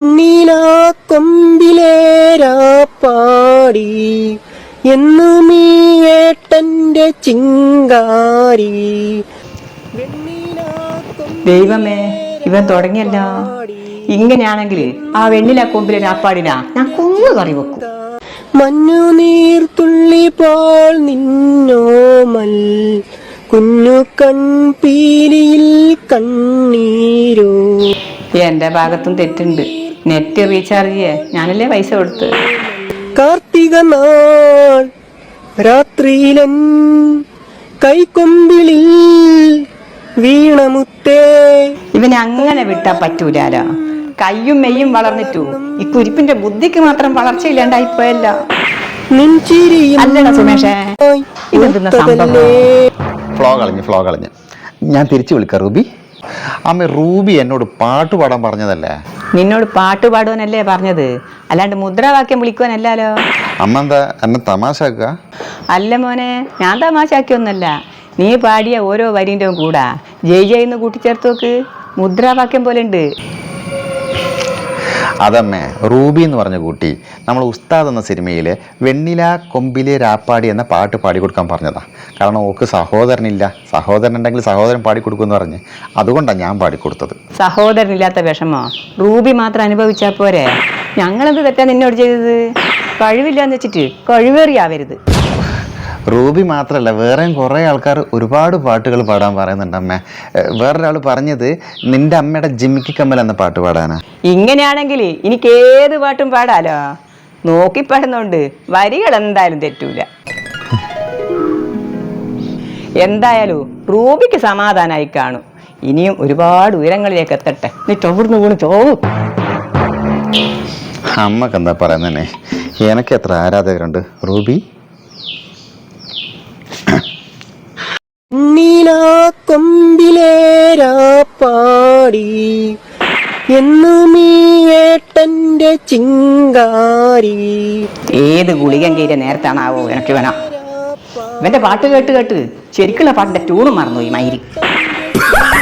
നീലാ കൊമ്പിലേരാപ്പാടി എന്നുമീ ഏട്ടന്റെ ചിങ്കാരി. ദൈവമേ, ഇവൻ തുടങ്ങിയല്ലോ. ഇങ്ങനെയാണെങ്കിൽ ആ വെണ്ണില കൊമ്പിലെ രാപ്പാടിനാ ഞാൻ കുഞ്ഞു കറി വെക്കും. മഞ്ഞുനീർത്തുള്ളി പോൽ നിന്നോമൽ കുഞ്ഞു കൺപീലിയിൽ കണ്ണീരോ. എന്റെ ഭാഗത്തും തെറ്റുണ്ട്. നെറ്റ് റീചാർജ് ചെയ്യേ ഞാനല്ലേ പൈസ കൊടുത്ത്. കാർത്തിക നാൾ രാത്രിയിലൻ കൈക്കൊമ്പിളിൽ വീണമുത്തേ. ഇവനെ അങ്ങനെ വിട്ടാ പറ്റൂലാലോ. കയ്യും മെയ്യും വളർന്നിട്ടു ഈ കുരിപ്പിന്റെ ബുദ്ധിക്ക് മാത്രം വളർച്ചയില്ലാണ്ടായിപ്പോയല്ലോ. നെഞ്ചിരിയും സുമേഷേ, ഇതെന്തുന്ന സംഭവം? ഫ്ലോ കളഞ്ഞ് ഞാൻ തിരിച്ചു വിളിക്കാം റൂബി. അമ്മ, റൂബി എന്നോട് പാട്ട് പാടാൻ പറഞ്ഞതല്ലേ? നിന്നോട് പാട്ട് പാടുവാനല്ലേ പറഞ്ഞത്, അല്ലാണ്ട് മുദ്രാവാക്യം വിളിക്കുവാനല്ലോ. അമ്മ എന്താ എന്നെ തമാശാക്ക? അല്ല മോനെ, ഞാൻ തമാശാക്കിയൊന്നല്ല. നീ പാടിയ ഓരോ വരിൻ്റെ കൂടാ ജയ് ജയ് എന്ന് കൂട്ടിച്ചേർത്ത് നോക്ക്. മുദ്രാവാക്യം പോലെ ഉണ്ട്. അതമ്മേ, റൂബി എന്ന് പറഞ്ഞ കുട്ടി നമ്മൾ ഉസ്താദ് എന്ന സിനിമയിലെ വെണ്ണില കൊമ്പിലെ രാപ്പാടി എന്ന പാട്ട് പാടിക്കൊടുക്കാൻ പറഞ്ഞതാ. കാരണം ഓക്ക് സഹോദരനില്ല, സഹോദരൻ ഉണ്ടെങ്കിൽ സഹോദരൻ പാടിക്കൊടുക്കുമെന്ന് പറഞ്ഞ് അതുകൊണ്ടാണ് ഞാൻ പാടിക്കൊടുത്തത്. സഹോദരനില്ലാത്ത വിഷമോ റൂബി മാത്രം അനുഭവിച്ചാൽ പോരെ? ഞങ്ങളെന്ത് തെറ്റാ നിന്നോട് ചെയ്തത്? കഴിവില്ലാന്ന് വെച്ചിട്ട് കഴിവേറിയാവരുത്. റൂബി മാത്രമല്ല, വേറെയും കുറേ ആൾക്കാർ ഒരുപാട് പാട്ടുകൾ പാടാൻ പറയുന്നുണ്ട് അമ്മേ. വേറൊരാൾ പറഞ്ഞത് നിന്റെ അമ്മയുടെ ജിമ്മിക്ക് കമ്മൽ എന്ന പാട്ട് പാടാനാ. ഇങ്ങനെയാണെങ്കിൽ എനിക്ക് ഏത് പാട്ടും പാടാലോ. നോക്കി പാടുന്നോണ്ട് വരികൾ എന്തായാലും തെറ്റൂല. എന്തായാലും റൂബിക്ക് സമാധാനമായി കാണും. ഇനിയും ഒരുപാട് ഉയരങ്ങളിലേക്ക് എത്തട്ടെ. നീ ചോർന്ന് വീണ് ചോവും. അമ്മക്ക് എന്താ പറയുന്നേ? എനിക്ക് എത്ര ആരാധകരുണ്ട് റൂബി. നീലാ കൊമ്പിലേരാപ്പാടി എന്നുമീ ഏട്ടന്റെ ചിങ്കാരി. ഏത് ഗുളികൻ കയറിയ നേരത്താണാവോ എനിക്ക് വേണം. ഇവന്റെ പാട്ട് കേട്ട് കേട്ട് ശരിക്കുള്ള പാട്ടിന്റെ ട്യൂണും മറന്നു ഈ മയിരി.